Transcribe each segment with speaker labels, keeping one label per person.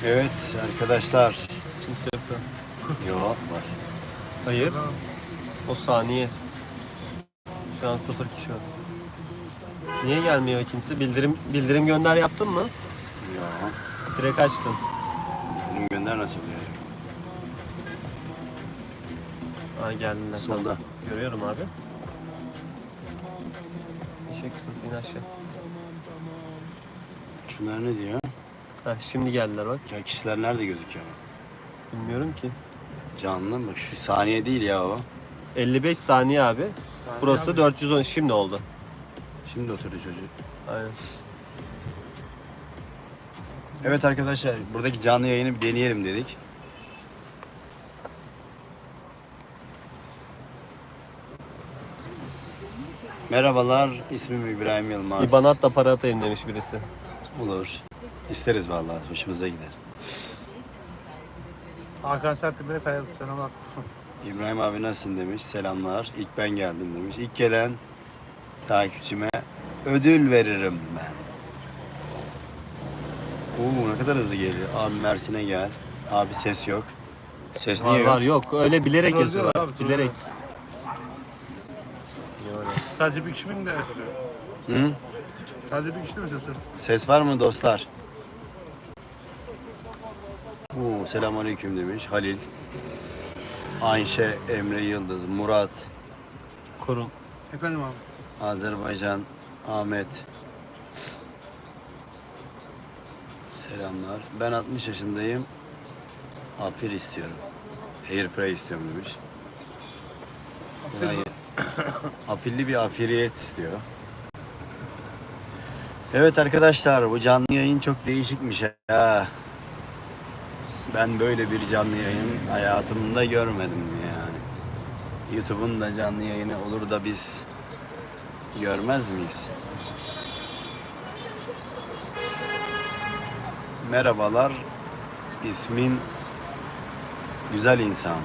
Speaker 1: Evet arkadaşlar.
Speaker 2: Kimse yok da.
Speaker 1: Yo var.
Speaker 2: Hayır. O saniye. Şu an 0 kişi var. Niye gelmiyor kimse? Bildirim gönder yaptın mı?
Speaker 1: Yo.
Speaker 2: Direkt açtım.
Speaker 1: Benim gönder nasıl oluyor?
Speaker 2: Aa geldiler.
Speaker 1: Solda.
Speaker 2: Tamam. Görüyorum abi. Eşek sıpası in aşağı.
Speaker 1: Şunlar ne diyor?
Speaker 2: Heh, şimdi geldiler bak.
Speaker 1: Ya kişiler nerede gözüküyor?
Speaker 2: Bilmiyorum ki.
Speaker 1: Canlı bak şu saniye değil ya o.
Speaker 2: 55 saniye abi. Burası 410. Şimdi oldu.
Speaker 1: Şimdi oturdu çocuk.
Speaker 2: Aynen.
Speaker 1: Evet arkadaşlar buradaki canlı yayını bir deneyelim dedik. Merhabalar, ismim İbrahim Yılmaz.
Speaker 2: İBAN'a da para atayım demiş birisi.
Speaker 1: Olur. İsteriz vallahi, hoşumuza gider.
Speaker 3: Hakan Sertibine kayalım sana bak.
Speaker 1: İbrahim abi nasılsın demiş, selamlar. İlk ben geldim demiş. İlk gelen takipçime ödül veririm ben. Oo ne kadar hızlı geliyor. Abi Mersin'e gel. Abi ses yok. Ses
Speaker 2: Var
Speaker 1: niye yok?
Speaker 2: var yok. Öyle bilerek
Speaker 3: Troll
Speaker 2: yazıyorlar.
Speaker 3: diyorlar abi, troll
Speaker 2: Bilerek.
Speaker 3: Sadece bir kişi mi de yazıyor?
Speaker 1: Hı?
Speaker 3: Sadece bir kişi mi yazıyor?
Speaker 1: Ses var mı dostlar? Oo, selamünaleyküm demiş Halil. Ayşe, Emre Yıldız, Murat,
Speaker 2: Korun.
Speaker 3: Efendim abi.
Speaker 1: Azerbaycan, Ahmet. Selamlar. Ben 60 yaşındayım. Afir istiyorum. Hairfry istiyorum demiş. Hayır. Afilli bir afiriyet istiyor. Evet arkadaşlar bu canlı yayın çok değişikmiş ha. Ben böyle bir canlı yayın hayatımda görmedim yani. YouTube'un da canlı yayını olur da biz görmez miyiz? Merhabalar. İsmin Güzel insan.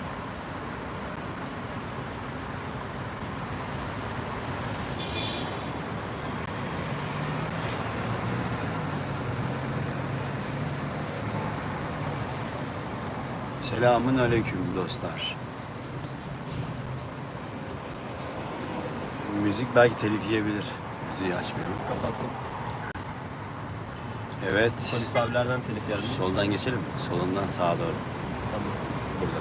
Speaker 1: Selamun aleyküm dostlar. Müzik belki telif yiyebilir. Müziği açmayalım.
Speaker 2: Kapattım.
Speaker 1: Evet.
Speaker 2: Polis abilerden telif geldi.
Speaker 1: Soldan geçelim mi? Solundan sağa doğru.
Speaker 2: Tamam.
Speaker 1: Burada.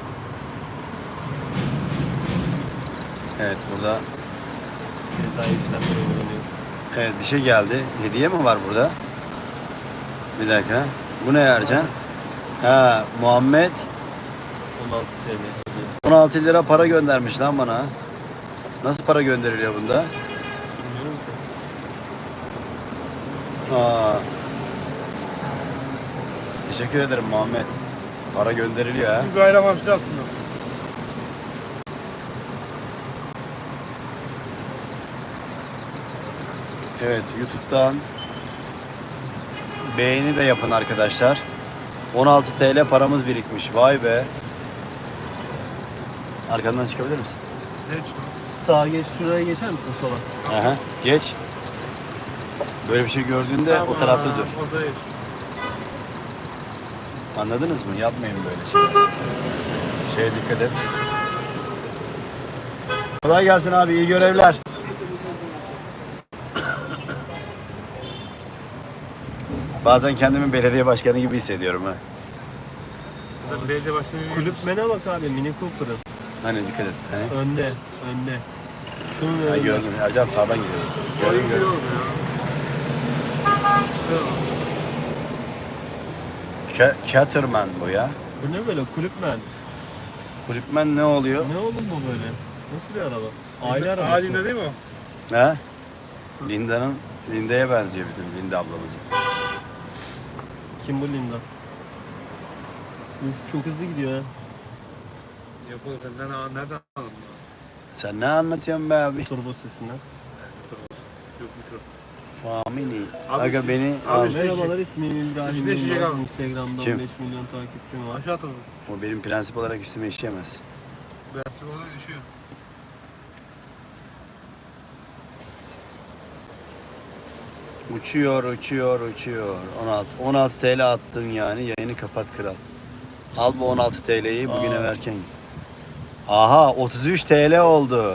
Speaker 1: Evet burada.
Speaker 2: Cezai işlemleri uygulanıyor.
Speaker 1: Evet bir şey geldi. Hediye mi var burada? Bir dakika. Bu ne Ercan? Ha Muhammed
Speaker 2: 16 TL.
Speaker 1: 16 lira para göndermiş lan bana. Nasıl para gönderiliyor bunda?
Speaker 2: Bilmiyorum ki.
Speaker 1: Aa. Teşekkür ederim Muhammed. Para gönderiliyor ha.
Speaker 3: Bir bayram harçlı aslında.
Speaker 1: Evet YouTube'dan beğeni de yapın arkadaşlar. 16 TL paramız birikmiş. Vay be. Arkandan çıkabilir misin?
Speaker 3: Ne çıktı?
Speaker 2: Sağa geç, şuraya geçer misin sola?
Speaker 1: Aha, geç. Böyle bir şey gördüğünde o tarafta dur.
Speaker 3: Orada geç.
Speaker 1: Anladınız mı? Yapmayın böyle şeyler. Şeye dikkat et. Kolay gelsin abi, iyi görevler. Bazen kendimi belediye başkanı gibi hissediyorum ha.
Speaker 3: Ben belediye başkanı
Speaker 2: Kulüpmene bak abi, Mini Cooper'ın.
Speaker 1: Hani dikkat et. He?
Speaker 2: Önde, önde. Şunun
Speaker 1: Ha,
Speaker 2: önünde.
Speaker 1: gördüm. Ercan sağdan gidiyoruz. Gördüm gördüm. Caterman bu ya.
Speaker 2: Bu ne böyle kulüpmen?
Speaker 1: Kulüpmen ne oluyor?
Speaker 2: Ne oğlum bu böyle? Nasıl bir araba? Aile arabası.
Speaker 3: Halinde değil mi o?
Speaker 1: Ha? Linda'ya benziyor bizim Linda ablamızın.
Speaker 2: Kim bu Linda? Uf çok hızlı gidiyor ha.
Speaker 3: Yapalım. Nereden aldın?
Speaker 1: Sen ne anlatıyorsun be abi?
Speaker 2: Turbo sesinden.
Speaker 3: Yok mikro.
Speaker 1: Famini.
Speaker 3: Abi,
Speaker 1: Aga beni
Speaker 3: abi,
Speaker 1: al.
Speaker 2: Merhabalar, ismim İbrahim
Speaker 3: Üstüne şişe
Speaker 2: Yılmaz.
Speaker 3: kaldı.
Speaker 2: Instagram'da
Speaker 1: Kim?
Speaker 2: 15 milyon takipçim var.
Speaker 3: Aşağı atalım.
Speaker 1: O benim prensip olarak üstüme işleyemez.
Speaker 3: Ben size orada düşüyor.
Speaker 1: Uçuyor, uçuyor, uçuyor. 16 TL attım yani. Yayını kapat kral. Al bu 16 TL'yi bugüne
Speaker 2: Aa.
Speaker 1: verken. Aha 33 TL oldu.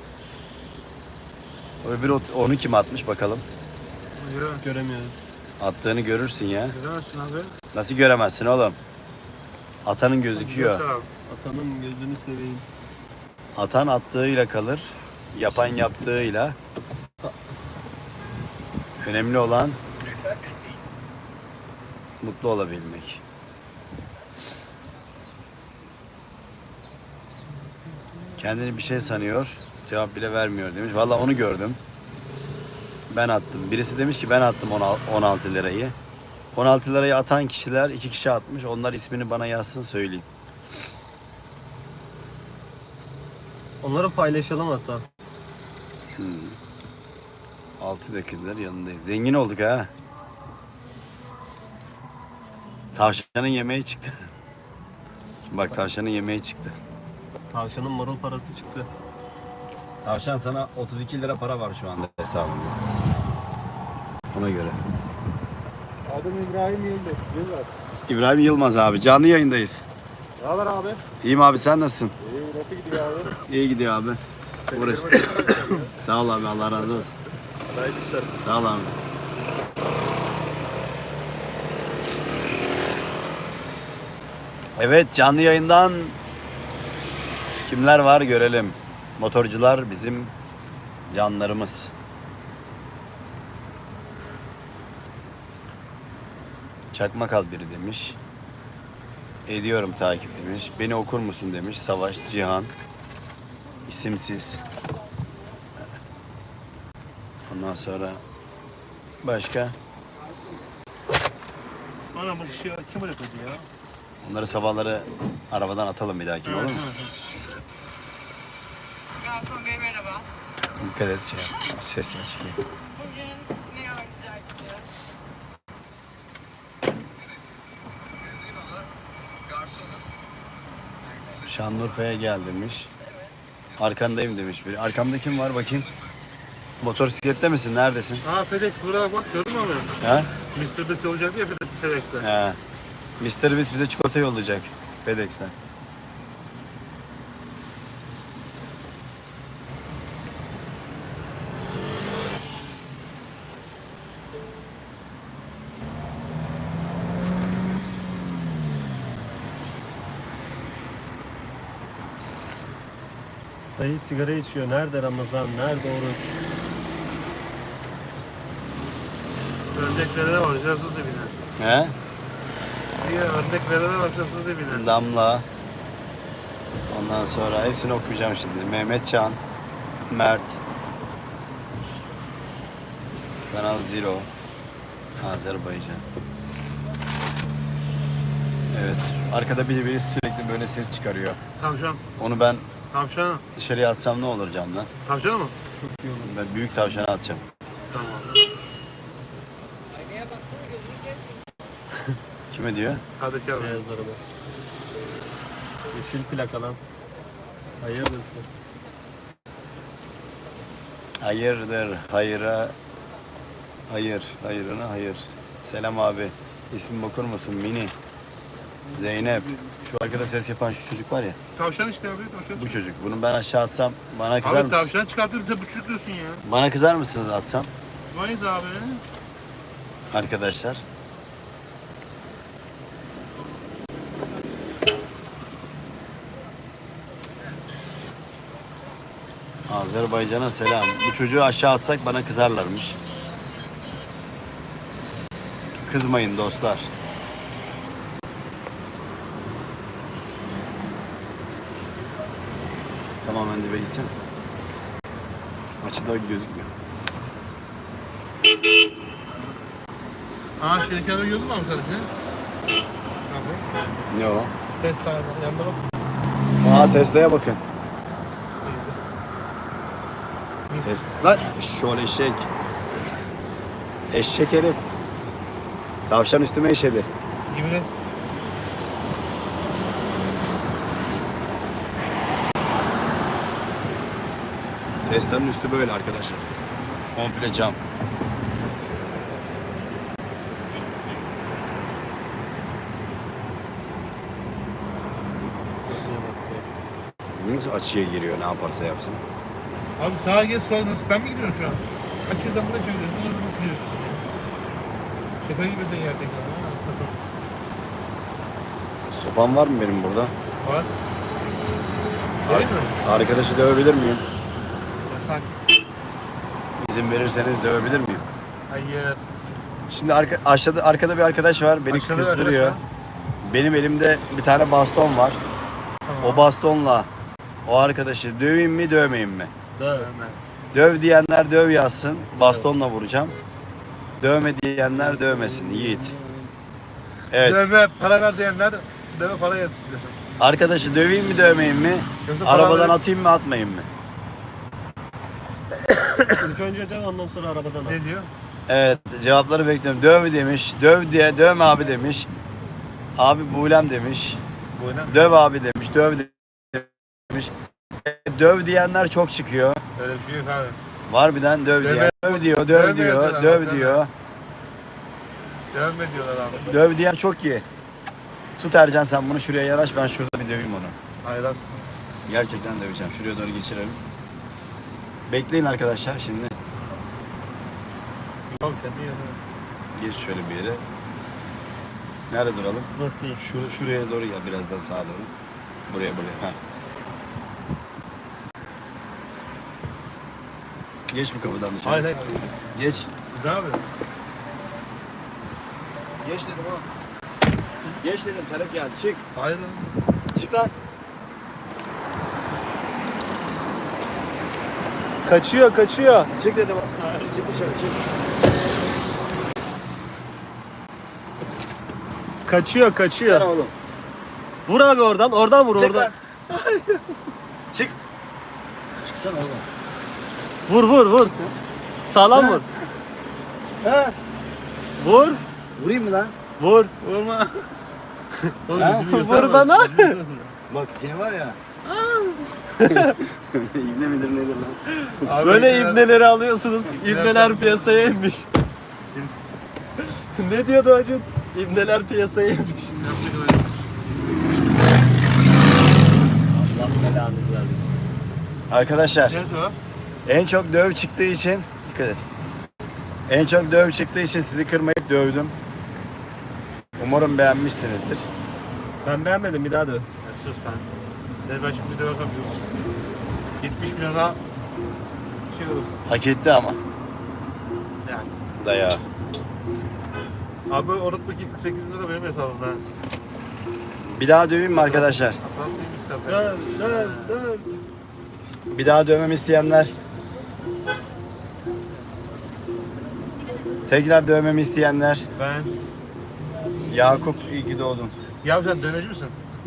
Speaker 1: Öbür onu kim atmış bakalım.
Speaker 3: Göremezsin.
Speaker 2: Göremiyoruz.
Speaker 1: Attığını görürsün ya.
Speaker 3: Göremezsin abi.
Speaker 1: Nasıl göremezsin oğlum? Atanın gözüküyor.
Speaker 3: Göster abi.
Speaker 2: Atanın gözünü seveyim.
Speaker 1: Atan attığıyla kalır. Yapan yaptığıyla. Önemli olan mutlu olabilmek. Kendini bir şey sanıyor. Cevap bile vermiyor demiş. Vallahi onu gördüm. Ben attım. Birisi demiş ki ben attım 16 lirayı. 16 lirayı atan kişiler 2 kişi atmış. Onlar ismini bana yazsın söyleyeyim.
Speaker 2: Onları paylaşalım hatta.
Speaker 1: 6 dakikadır yanındayız. Zengin olduk ha. Tavşanın yemeği çıktı. Bak tavşanın yemeği çıktı.
Speaker 2: Tavşanın marul parası çıktı.
Speaker 1: Tavşan sana 32 lira para var şu anda hesabında. Ona göre.
Speaker 3: Adım İbrahim Yıldız.
Speaker 1: İbrahim Yılmaz abi. Canlı yayındayız.
Speaker 3: Ne haber abi?
Speaker 1: İyiyim abi sen nasılsın?
Speaker 3: İyi, nasıl gidiyor abi?
Speaker 1: İyi gidiyor abi. Uğraş. Sağ ol abi Allah razı olsun.
Speaker 3: Hayırlı işler.
Speaker 1: Sağ ol abi. Evet canlı yayından kimler var görelim. Motorcular bizim canlarımız. Çakmak al biri demiş. Ediyorum takip demiş. Beni okur musun demiş. Savaş, Cihan. İsimsiz. Ondan sonra başka.
Speaker 3: Ana bu şişeyi kim öyle koydu ya?
Speaker 1: Onları sabahları arabadan atalım bir dahaki olur mu?
Speaker 4: Garson Bey merhaba.
Speaker 1: Dikkat et şey yap. Ses açılıyor.
Speaker 4: Bugün ne öğreteceksiniz?
Speaker 1: Şanlıurfa'ya gel demiş. Arkandayım demiş biri. Arkamda kim var bakayım? Motosiklette misin? Neredesin?
Speaker 3: Aa FedEx burada bak gördün mü abi?
Speaker 1: Ha?
Speaker 3: Mr. Beast olacak ya FedEx'te.
Speaker 1: He. Mr. Beast bize çikolata yollayacak. FedEx'ten.
Speaker 2: Dayı sigara içiyor. Nerede Ramazan? Nerede oruç?
Speaker 3: Örneklere var, cansız evine.
Speaker 1: He?
Speaker 3: Diye örneklere var, cansız evine.
Speaker 1: Damla. Ondan sonra hepsini okuyacağım şimdi. Mehmetcan, Mert, Kanal Zero, Azerbaycan. Evet. Arkada biri sürekli böyle ses çıkarıyor.
Speaker 3: Tavşan.
Speaker 1: Onu ben
Speaker 3: Tavşan.
Speaker 1: dışarıya atsam ne olur camdan?
Speaker 3: Tavşan mı?
Speaker 1: Ben büyük tavşana atacağım.
Speaker 3: Tamam.
Speaker 1: Kime diyor?
Speaker 3: Kardeş abi.
Speaker 2: Beyaz araba. Yeşil plaka lan. Hayırlısı.
Speaker 1: Hayırdır, hayıra, hayır, hayırına hayır. Selam abi. İsmimi okur musun? Mini. Zeynep. Şu arkada ses yapan şu çocuk var ya.
Speaker 3: Tavşan işte abi, tavşan.
Speaker 1: Bu çocuk. Bunu ben aşağı atsam bana kızar
Speaker 3: Abi
Speaker 1: mısın?
Speaker 3: tavşan çıkartıyorsun, sen buçuk diyorsun ya.
Speaker 1: Bana kızar mısınız atsam?
Speaker 3: Mayıs abi.
Speaker 1: Arkadaşlar. Azerbaycan'a selam. Bu çocuğu aşağı atsak bana kızarlarmış. Kızmayın dostlar. Tamamen dibe gitsin. Açıda gözükmüyor.
Speaker 3: Aa şey kenara gördün mü abi kardeşim? Abi.
Speaker 1: Ne o?
Speaker 3: Test abi, yanında bak.
Speaker 1: Aa Tesla'ya bakın.
Speaker 3: Neyse.
Speaker 1: Tesla. Lan şöyle eşek. Eşek herif. Tavşan üstüme işedi.
Speaker 3: Yemin et.
Speaker 1: Tesla'nın üstü böyle arkadaşlar. Komple cam. Hangisi açıya giriyor ne yaparsa yapsın.
Speaker 3: Abi sağa geç sola nasıl? Ben mi gidiyorum şu an? Açıdan buraya çeviriyorsun. Orada nasıl gidiyorsun? Şaka gibi sen gerçekten.
Speaker 1: Sopam var mı benim burada?
Speaker 3: Var. Değil mi?
Speaker 1: Arkadaşı dövebilir miyim?
Speaker 3: Yasak.
Speaker 1: İzin verirseniz dövebilir miyim?
Speaker 3: Hayır.
Speaker 1: Şimdi aşağıda arkada bir arkadaş var. Beni
Speaker 3: Aşağıda bir
Speaker 1: kızdırıyor.
Speaker 3: arkadaş
Speaker 1: Benim elimde bir tane baston var.
Speaker 3: Tamam.
Speaker 1: O bastonla o arkadaşı döveyim mi dövmeyeyim mi?
Speaker 2: Döv.
Speaker 1: Döv diyenler döv yazsın. Bastonla vuracağım. Dövme diyenler dövmesin. Yiğit. Evet.
Speaker 3: Dövme para ver diyenler dövme para desin.
Speaker 1: Arkadaşı döveyim mi dövmeyeyim mi?
Speaker 3: Yoksa para
Speaker 1: Arabadan
Speaker 3: ver-
Speaker 1: atayım mı atmayayım mı?
Speaker 2: İlk önce döv ondan sonra arabadan al.
Speaker 3: Ne diyor?
Speaker 1: Evet cevapları bekliyorum. Döv demiş. Döv diye dövme abi demiş. Abi buğlem demiş.
Speaker 3: Bu oyna.
Speaker 1: Döv abi demiş. Döv demiş. Döv diyenler çok çıkıyor.
Speaker 3: Öyle bir şey yok abi.
Speaker 1: Var birden döv
Speaker 3: Dövme-
Speaker 1: diyen. Döv diyor, döv
Speaker 3: dövme
Speaker 1: diyor,
Speaker 3: yazıyorlar,
Speaker 1: döv
Speaker 3: dövme.
Speaker 1: diyor.
Speaker 3: Dövme diyorlar abi.
Speaker 1: Döv diyen çok iyi. Tut Ercan sen bunu şuraya yanaş ben şurada bir döveyim onu.
Speaker 3: Hayır abi.
Speaker 1: Gerçekten döveceğim. Şuraya doğru geçirelim. Bekleyin arkadaşlar şimdi.
Speaker 3: Yok kendi yanına.
Speaker 1: Geç şöyle bir yere. Nerede duralım?
Speaker 2: Nasıl iyi?
Speaker 1: Şuraya doğru gel biraz daha sağa doğru. Buraya. Ha. Geç bu kapıdan dışarı.
Speaker 3: Hayır hayır.
Speaker 1: Geç.
Speaker 3: Ne yapıyorsun?
Speaker 1: Geç dedim oğlum. Geç dedim talep geldi. Çık.
Speaker 3: Hayır lan.
Speaker 1: Çık lan.
Speaker 2: Kaçıyor.
Speaker 1: Çık dedim. Çık dışarı çık.
Speaker 2: Kaçıyor.
Speaker 1: Çıksana oğlum.
Speaker 2: Vur abi oradan vur
Speaker 1: Çık
Speaker 2: oradan.
Speaker 1: lan. Çık. Çıksana oğlum.
Speaker 2: Vur. Sağlam vur.
Speaker 1: Ha?
Speaker 2: Vur.
Speaker 1: Vurayım mı lan?
Speaker 2: Vur.
Speaker 3: Vurma. Oğlum
Speaker 1: Ha?
Speaker 3: yüzümü gösterme.
Speaker 2: Vur bana.
Speaker 3: Yüzümü gösterme.
Speaker 1: Bak seni var ya. İbne midir nedir lan?
Speaker 3: Abi,
Speaker 2: Böyle
Speaker 3: ben-
Speaker 2: ibneleri alıyorsunuz. İbneler piyasaya inmiş. Ne diyordu Acun? İbneler piyasaya inmiş.
Speaker 3: Yapacak öyle.
Speaker 2: Allah belanı versin.
Speaker 1: Arkadaşlar
Speaker 3: Neyse o.
Speaker 1: en çok döv çıktığı için dikkat et. En çok döv çıktığı için sizi kırmayıp dövdüm. Umarım beğenmişsinizdir.
Speaker 2: Ben beğenmedim bir daha döv.
Speaker 3: Ya sus lan. Seni ben şimdi döversem yok. 70 milyona şey olursun.
Speaker 1: Hak etti ama
Speaker 3: Yani.
Speaker 1: dayağı.
Speaker 3: Abi unutma ki 48 bin lira benim hesabımda.
Speaker 1: Bir daha döveyim mi arkadaşlar?
Speaker 3: Atlatayım istersen.
Speaker 2: Döv.
Speaker 1: Bir daha dövmemi isteyenler. Tekrar dövmemi isteyenler.
Speaker 3: Ben.
Speaker 1: Yakup iyi ki doğdun.
Speaker 3: Ya sen dövmeci misin?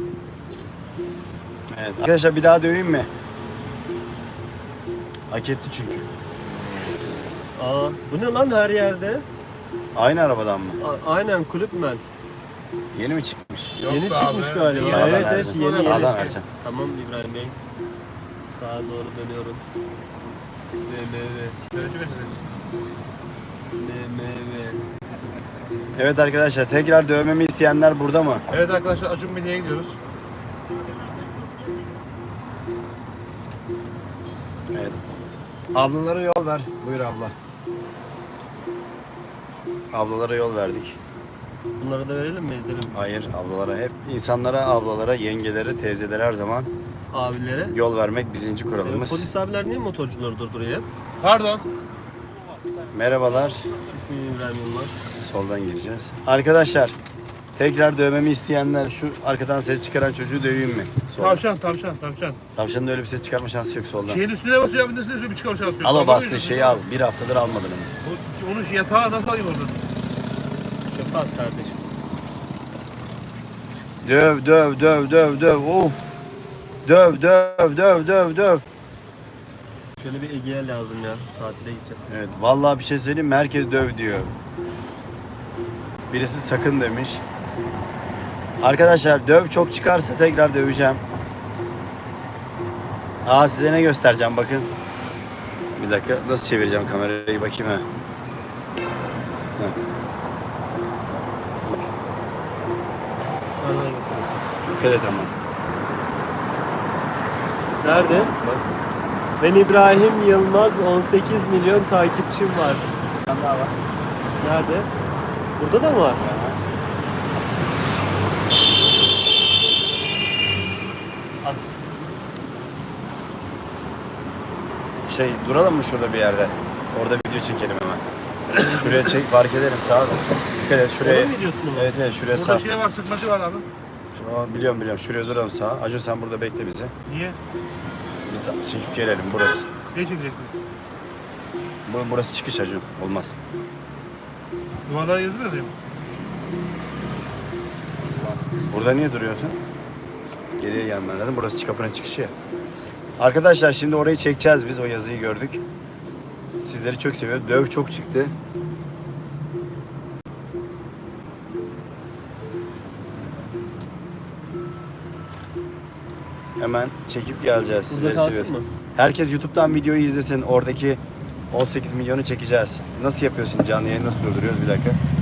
Speaker 1: Evet. Arkadaşlar bir daha döveyim mi? Hak etti çünkü.
Speaker 2: Aa, bu ne lan her yerde?
Speaker 1: Aynı arabadan mı?
Speaker 2: Aynen kulüpmen.
Speaker 1: Yeni mi çıkmış?
Speaker 3: Yok
Speaker 2: Yeni
Speaker 3: be
Speaker 2: çıkmış
Speaker 3: abi.
Speaker 2: galiba.
Speaker 1: Sağdan
Speaker 2: Evet
Speaker 1: Ercan.
Speaker 2: yeni.
Speaker 1: Sağdan Ercan.
Speaker 2: Tamam İbrahim Bey. Sağa doğru dönüyorum.
Speaker 3: Dövmeci misin?
Speaker 1: Evet arkadaşlar tekrar dövmemi isteyenler burada mı?
Speaker 3: Evet arkadaşlar Acun Milli'ye gidiyoruz.
Speaker 1: Evet. Ablalara yol ver. Buyur abla. Ablalara yol verdik.
Speaker 2: Bunları da verelim mi ezelim?
Speaker 1: Hayır ablalara hep insanlara, ablalara, yengelere, teyzelere her zaman
Speaker 2: Abilere.
Speaker 1: yol vermek birinci kuralımız.
Speaker 2: Polis abiler niye motorcuları durduruyor?
Speaker 3: Pardon.
Speaker 1: Merhabalar.
Speaker 2: İsmim İbrahim Yılmaz.
Speaker 1: Soldan gireceğiz. Arkadaşlar tekrar dövmemi isteyenler şu arkadan ses çıkaran çocuğu döveyim mi? Soldan.
Speaker 3: Tavşan.
Speaker 1: Tavşanın öyle bir ses çıkarma şansı yok soldan.
Speaker 3: Şeyin üstüne basıyor abi üstüne bir çıkar şansı yok.
Speaker 1: Al o
Speaker 3: Anlamıyor
Speaker 1: bastığı
Speaker 3: musun?
Speaker 1: şeyi al. Bir haftadır almadın onu.
Speaker 3: Onu yatağa nasıl alayım oradan?
Speaker 2: Çöpe at kardeşim.
Speaker 1: Döv. Of. Döv.
Speaker 2: Şöyle bir Ege'ye lazım ya. Tatile gideceğiz.
Speaker 1: Evet vallahi bir şey söyleyeyim mi? Herkes döv diyor. Birisi sakın demiş. Arkadaşlar döv çok çıkarsa tekrar döveceğim. Aa size ne göstereceğim bakın. Bir dakika nasıl çevireceğim kamerayı bakayım ha.
Speaker 2: Bana göster.
Speaker 1: Dikkat et ama.
Speaker 2: Nerede?
Speaker 1: Bak.
Speaker 2: Ben İbrahim Yılmaz, 18 milyon takipçim var.
Speaker 1: Bir tane daha var.
Speaker 2: Nerede? Burada da mı var?
Speaker 1: Duralım mı şurada bir yerde? Orada video çekelim hemen. Şuraya çek, fark edelim sağa da. Dikkat et şuraya.
Speaker 2: Orada mı videosu mu?
Speaker 1: Evet evet şuraya
Speaker 3: Burada
Speaker 1: sağ.
Speaker 3: şey var, sıkmacı var abi.
Speaker 1: Biliyorum biliyorum. Şuraya duralım sağa. Acun sen burada bekle bizi.
Speaker 3: Niye?
Speaker 1: Biz çekip gelelim burası.
Speaker 3: Ne çekeceksiniz?
Speaker 1: Burası çıkış Acun. Olmaz.
Speaker 3: Duvarlara yazı mı yazayım?
Speaker 1: Burada niye duruyorsun? Geriye gelmen lazım. Burası kapının çıkışı ya. Arkadaşlar şimdi orayı çekeceğiz biz. O yazıyı gördük. Sizleri çok seviyorum. Döv çok çıktı. Hemen çekip geleceğiz.
Speaker 2: Burada
Speaker 1: Sizleri
Speaker 2: kalsın
Speaker 1: seviyoruz.
Speaker 2: mı?
Speaker 1: Herkes YouTube'dan videoyu izlesin. Oradaki 18 milyonu çekeceğiz. Nasıl yapıyorsun canlı yayını? Nasıl durduruyoruz? Bir dakika.